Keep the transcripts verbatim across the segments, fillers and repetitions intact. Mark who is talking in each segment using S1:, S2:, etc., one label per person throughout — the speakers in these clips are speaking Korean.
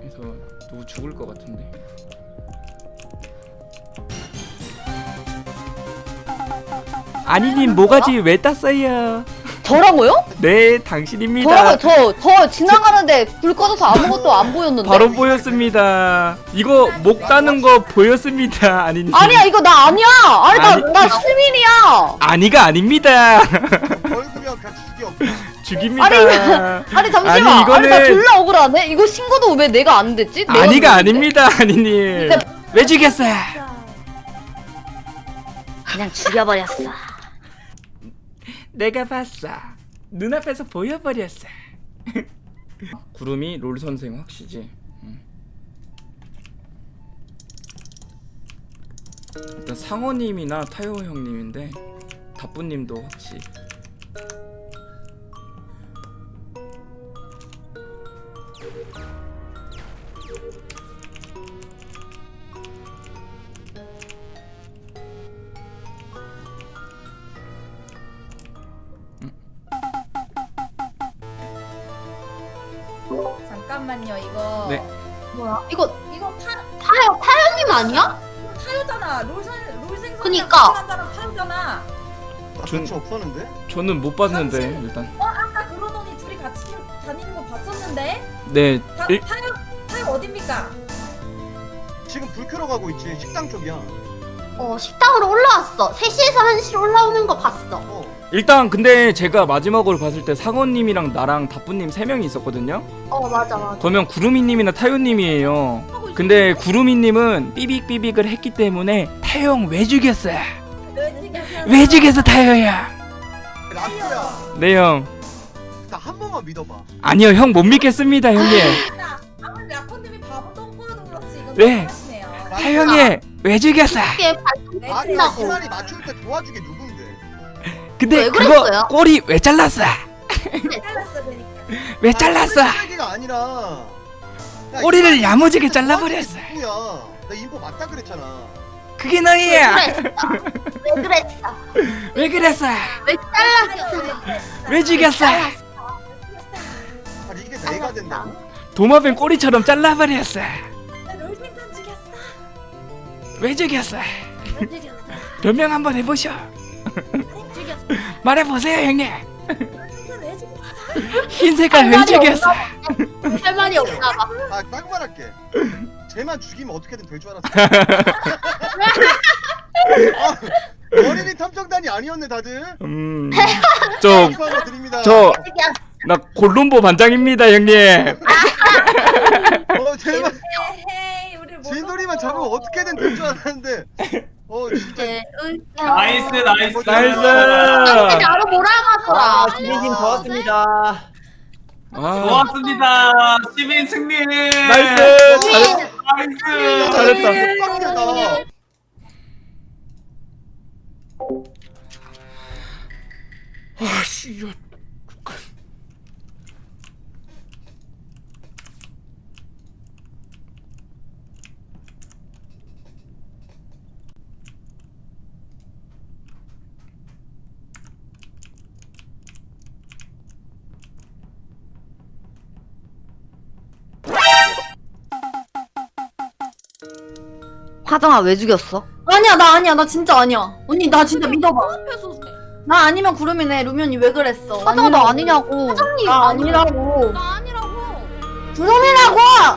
S1: 그래서 누구 죽을 것 같은데. 아니님 모가지 왜 땄어요?
S2: 저라고요?
S1: 네, 당신입니다.
S2: 저라고 저, 저 지나가는데 불 꺼져서 아무것도 안 보였는데.
S1: 바로 보였습니다. 이거 목 따는 거 보였습니다. 아니님.
S2: 아니야 이거 나 아니야. 아니
S1: 아니.
S2: 나, 나 시민이야.
S1: 아니가 아닙니다.
S3: 얼굴이랑 그냥 죽여.
S1: 죽입니다.
S2: 아니, 아니 잠시만.
S1: 아니,
S2: 아니,
S1: 이거는-
S2: 나 졸라 억울하네. 이거 신고도 왜 내가 안 됐지? 내가
S1: 아니가
S2: 누군데?
S1: 아닙니다. 아니님.
S2: 근데-
S1: 왜 죽였어요?
S2: 그냥 죽여버렸어.
S1: 내가 봤어. 눈앞에서 보여버렸어. 구름이 롤 선생 확시지. 응. 일단 상어님이나 타요 형님인데 다뿌님도 확시.
S4: 잠깐만요 이거
S1: 네.
S5: 뭐야? 이거
S4: 이거 파,
S5: 타요 타요님 아니야?
S4: 파요잖아 롤생 롤생선
S5: 그니까.
S4: 한 사람 파요잖아.
S3: 나
S1: 준-
S3: 같이 없었는데?
S1: 저는 못 봤는데
S4: 당신-
S1: 일단.
S4: 어 아까 그러더니 둘이 같이 다니는 거 봤었는데
S1: 네.
S4: 다,
S1: 일,
S4: 파요 파요 어딥니까?
S3: 지금 불 켜러 가고 있지. 식당 쪽이야.
S5: 어 식당으로 올라왔어. 세 시에서 한 시로 올라오는 거 봤어.
S3: 어.
S1: 일단 근데 제가 마지막으로 봤을 때 상어님이랑 나랑 다뿌님 세 명이 있었거든요.
S5: 어 맞아 맞아.
S1: 그러면 구름이님이나 타요님이에요. 근데 구름이님은 삐빅삐빅을 했기 때문에 타요 형 왜 죽였어요? 왜 죽였어 타요야?
S3: 라프야.
S1: 네 형.
S3: 나 한 번만 믿어봐.
S1: 아니요 형 못 믿겠습니다 형님.
S4: 아무리 라코님이 바보 똥꼬여도 그렇지 이건
S1: 네.
S4: 하시네요.
S1: 타요 형이 왜 죽였어?
S5: 이게
S4: 네,
S3: 아니
S4: 그래.
S3: 나
S5: 끝나고.
S3: 시간이 맞출 때 도와주게 누군데?
S1: 근데
S5: 왜
S1: 그거
S5: 그랬어요?
S1: 꼬리 왜 잘랐어?
S4: 잘랐어 그러니까.
S1: 왜 잘랐어?
S3: 얘기가 아니라. 야,
S1: 꼬리를
S3: 이
S1: 야무지게
S3: 사람이
S1: 잘라버렸어.
S3: 누구야? 나 인포 맞다 그랬잖아.
S1: 그게
S5: 왜
S1: 너희야.
S5: 그랬어? 왜 그랬어?
S1: 왜 그랬어?
S5: 왜 잘랐어?
S1: 왜 죽였어?
S3: 아니 이게 내가 된다고?
S1: 도마뱀 꼬리처럼 잘라버렸어.
S4: 롤생선 죽였어.
S1: 왜 죽였어?
S5: 왜 죽였어?
S1: 변명 한번 해보셔.
S5: 죽였어.
S1: 말해보세요 형님.
S4: 롤생선 왜 죽였어?
S1: 흰 색깔 왜 죽였어?
S5: 할 말이 없나 봐.
S3: 아, 딱 말할게. 쟤만 죽이면 어떻게든 될 줄 알았어. 아, 어린이 탐정단이 아니었네 다들.
S1: 음, 저,
S3: 축하드립니다.
S1: 저,
S5: 죽였어.
S1: 나 골룸보 반장입니다 형님.
S3: 어, 제발
S4: 헤이 우리
S3: 진돌이만 잡으면 어떻게든 될 줄 알았는데. 어, 진짜.
S5: 네, 웃겨.
S6: 나이스 나이스
S1: 나이스.
S5: 근데 나로 몰아가더라.
S7: 아, 진희님 좋았습니다.
S1: 아,
S6: 좋았습니다. 시민 승리.
S1: 나이스. 잘했,
S6: 나이스.
S1: 잘했다.
S3: 빡세다.
S1: 아씨, 이거.
S2: 화정아 왜 죽였어?
S8: 아니야 나 아니야 나 진짜 아니야 언니 나 진짜 믿어봐 나 아니면 구름이네 루면이 왜 그랬어
S2: 화정아 나 아니냐고.
S8: 사장님 나 아니라고
S4: 나 아니라고.
S8: 구름이라고
S2: 아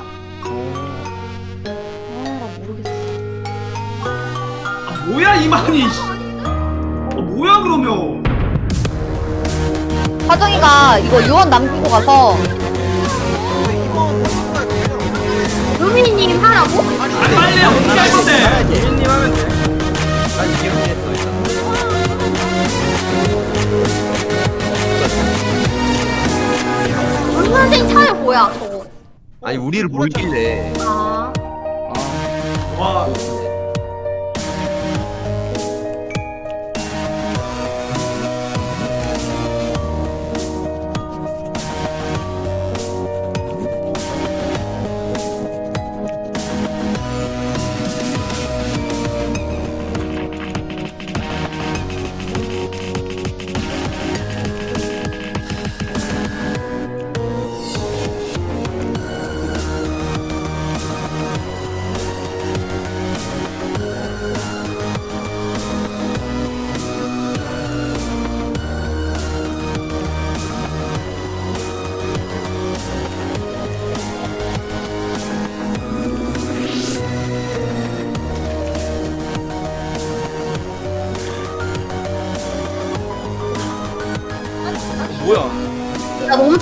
S2: 모르겠어.
S6: 아, 뭐야 이만희. 어, 뭐야 그러면.
S2: 화정이가 이거 유언 남기고 가서
S5: 루미님 하라고?
S6: 아니 빨리 어떻게 할 건데.
S1: 예민님 하면 돼.
S7: 난 기억했어 일단.
S5: 문 선생 차에 뭐야 저거?
S7: 아니 우리를 몰길래.
S5: 아
S6: 와.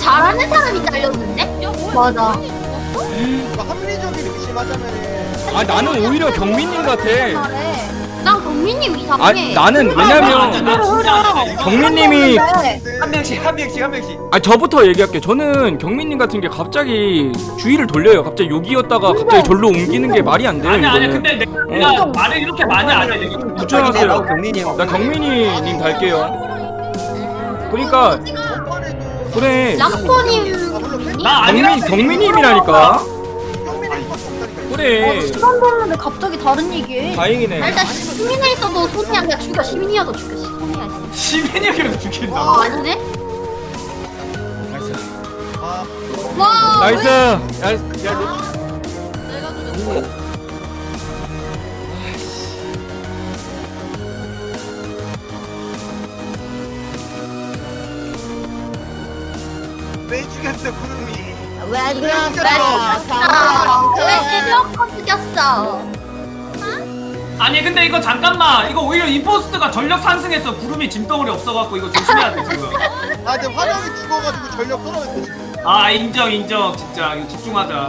S5: 잘하는 사람이 잘렸는데?
S4: 야 뭐야?
S8: 맞아.
S3: 이거 합리적인 의심하자면은
S1: 아 나는 오히려 경민님 같아.
S8: 잘해.
S5: 난 경민님
S1: 아
S5: 이상해.
S1: 나는 왜냐면 경민님이
S7: 한 명씩 한 명씩 한 명씩.
S1: 아 저부터 얘기할게. 저는 경민님 같은 게 갑자기 주의를 돌려요. 갑자기 여기였다가 갑자기 절로 옮기는 게 말이 안 돼요.
S6: 아니 아니
S1: 이거는.
S6: 근데 내가, 내가 말을 이렇게 많이 안 해. 내가
S1: 부처하세요.
S7: 경민이 형.
S1: 나 경민이님 갈게요. 그러니까 그래.
S5: 라코님
S6: 나
S1: 경민
S6: 아니라고.
S1: 경민님이라니까. 그래.
S8: 시간 벌는데 갑자기 다른 얘기해.
S1: 다행이네.
S5: 나 일단 시민에 있어도 손이 아니라 죽여. 시민이어도 죽여. 시민이야 있어.
S6: 시민이어도 죽인다.
S5: 어 아니네?
S1: 나이스.
S3: 아
S5: 와.
S1: 나이스. 야, 야,
S5: 내가 죽였어.
S3: 왜 죽였어 구름이?
S2: 왜
S5: 아,
S2: 그랬어?
S5: 왜 찔러서 죽였어?
S6: 아니 근데 이거 잠깐만 이거 오히려 임포스트가 전력 상승했어. 구름이 짐덩어리 없어갖고 이거 조심해야 돼 지금.
S3: 아 근데 화력이 죽어가지고 전력 떨어졌어 지금.
S6: 아 인정 인정 진짜 이거 집중하자.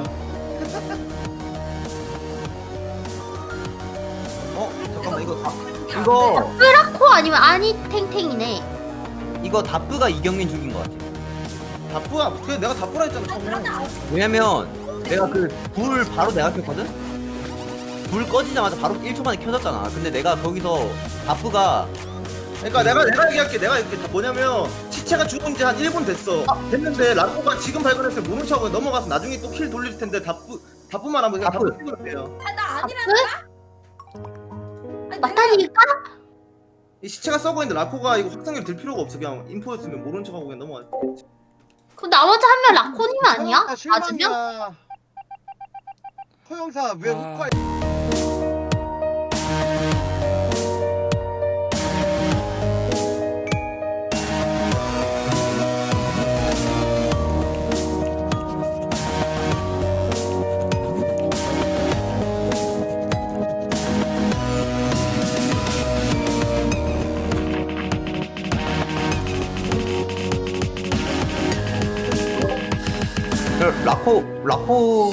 S7: 어 잠깐만 이거 다, 이거
S5: 라코 아니면 아니탱탱이네.
S7: 이거 다프가 이경민 죽인 것 같아.
S3: 다뿌야 그래 내가 다뿌라 했잖아 처음에.
S7: 왜냐면 내가 그 불 바로 내가 켰거든? 불 꺼지자마자 바로 일 초 만에 켜졌잖아. 근데 내가 거기서 다프가
S9: 그러니까 내가 내가 얘기할게. 내가 이렇게 다 뭐냐면 시체가 죽은 지 한 일 분 됐어. 됐는데 라코가 지금 발견했을 때 모른 척하고 넘어가서 나중에 또 킬 돌릴 텐데 다뿌 다뿌만 하면 그냥
S7: 다뿌.
S9: 다뿌 찍으면 돼요.
S4: 아, 나 아니라니까? 아니,
S5: 맞다니까?
S9: 이 시체가 썩어 있는데 라코가 이거 확성기 들 필요가 없어. 그냥 인포였으면 모른 척하고 그냥 넘어갔겠지.
S5: 그럼 나머지 한 명 라코님 아니야?
S3: 아, 실망이야.
S5: 맞으면?
S3: 허영사 왜
S1: 아.
S3: 흑화?
S7: 야, 라코 라코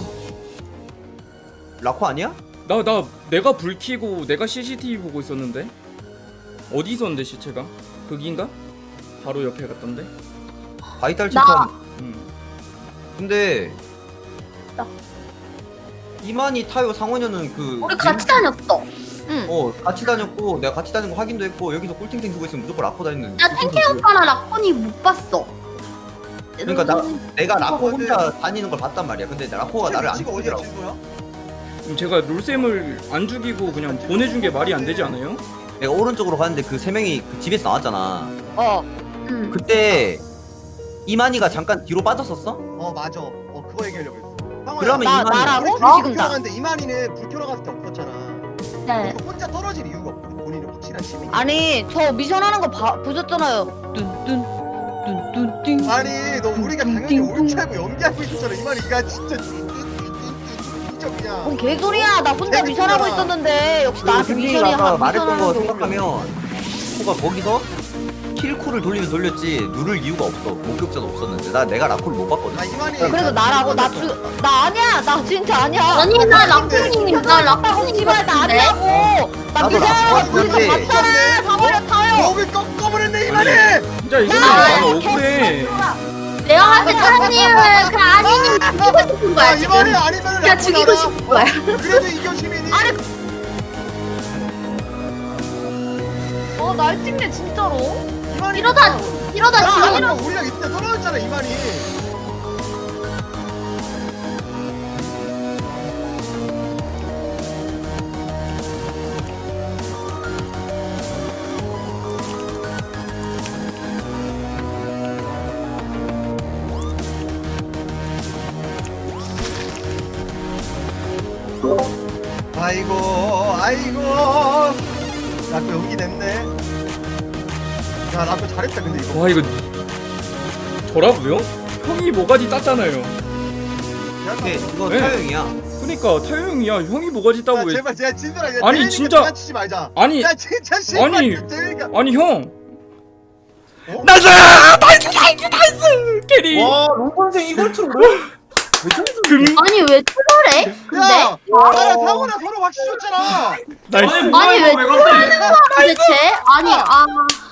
S7: 라코 아니야?
S1: 나 나 내가 불 켜고 내가 씨씨티비 보고 있었는데 어디 있었는데 시체가? 거기인가? 바로 옆에 갔던데.
S7: 바이탈
S5: 나-
S7: 체크함.
S1: 음.
S7: 근데
S5: 나.
S7: 이만희 타요 상원현은 그
S5: 우리 같이 다녔어. 응.
S7: 어 같이 다녔고 내가 같이 다닌 거 확인도 했고 여기서 꿀탱탱 두고 있으면 무조건 라코 다니는.
S5: 나 탱탱 오빠랑 라코님 못 봤어.
S7: 그러니까 나 내가 라코
S3: 근데-
S7: 혼자 다니는 걸 봤단 말이야. 근데 라코가 나를 안
S3: 위치가 어디야
S7: 죽이더라고.
S3: 진도야?
S1: 그럼 제가 롤쌤을 안 죽이고 그냥 보내준 게 말이 안 되지 않아요?
S7: 내가 오른쪽으로 가는데 그 세 명이 그 집에서 나왔잖아.
S2: 어.
S5: 응.
S7: 그때 이만희가 잠깐 뒤로 빠졌었어?
S3: 어 맞아. 어 그거 얘기하려고 했어. 상호야,
S7: 그러면
S2: 나-
S7: 이만희
S2: 나라고?
S3: 우리
S2: 어?
S3: 둘이
S2: 지금
S3: 불
S2: 다.
S3: 켜러 갔는데 이만희는 불 켜러 갔을 때 없었잖아.
S5: 네.
S3: 그래서 혼자 떨어질 이유가 없거든. 본인은 확실한 시민이.
S2: 아니 저 미션 하는 거 봐, 보셨잖아요. 뚠뚠 뚠뚠 띵.
S3: 아니 너 우리가 당연히
S2: 띵, 띵.
S3: 옳지 알고 연기하고 있었잖아. 이만희가 진짜 진짜 그냥.
S2: 뭔 개소리야. 나 혼자
S3: 재밌잖아.
S2: 미션 하고 있었는데 역시 나한테
S7: 승진이가
S2: 미션이
S7: 아까
S2: 한
S7: 말했던 거
S2: 미션 하는 거.
S7: 생각하면 코가 거기서 킬쿨을 돌리면 돌렸지 누를 이유가 없어. 목격자도 없었는데 나 내가 라코를 못 봤거든.
S3: 아 이만희.
S2: 그래서 나라고 나 주, 나 아니야. 나 진짜 아니야.
S5: 아니 나 라코님 나 라코님
S2: 라코님 씨발 나
S5: 같은데?
S2: 아니라고. 나
S7: 나도
S2: 미션
S7: 라코
S2: 우리 다
S7: 같은데.
S2: 봤잖아. 사버려 타요.
S3: 목을 꺾어버렸네 이만희.
S1: 진짜 이거는
S2: 야,
S1: 나는
S2: 개-
S1: 억울해.
S5: 내가 봤을 때 타님을 그 아니님 죽이고 싶은
S3: 아
S5: 거야
S3: 이만희
S5: 지금.
S3: 아니면
S5: 그냥 죽이고 싶은 거야.
S3: 그래도 이겨 시민이.
S2: 어, 날 찍네 진짜로.
S3: 이만희.
S5: 이러다 이러다
S3: 야,
S5: 지금
S3: 아니면 우리가 이때 떨어졌잖아 이만희. 아이고 아이고 라코 연기 냈네. 야 라코 잘했다 근데 이거.
S1: 와 이거 저라고요? 형이 모가지 땄잖아요.
S7: 근데 이거
S1: 네.
S7: 타영이야.
S1: 그러니까 타요 형이야. 형이 모가지 따고
S3: 야,
S1: 왜?
S3: 제발 제발 진솔아. 야,
S1: 아니,
S3: 재민이가
S1: 진짜-
S3: 장난치지 말자.
S1: 아니
S3: 야 진짜 씨발
S1: 아니.
S3: 재민이가.
S1: 아니 형.
S3: 어?
S1: 나이스! 나이스! 캐리.
S9: 와 롱선생 이걸 틀어.
S1: 금.
S5: 아니 왜 트롤해? 근데
S3: 야, 나랑 상호랑 서로 확실히 줬잖아.
S1: 나이스.
S6: 아니 뭐야
S5: 아니,
S6: 이거
S5: 왜
S6: 왜 갑자기
S5: 도대체 아니 아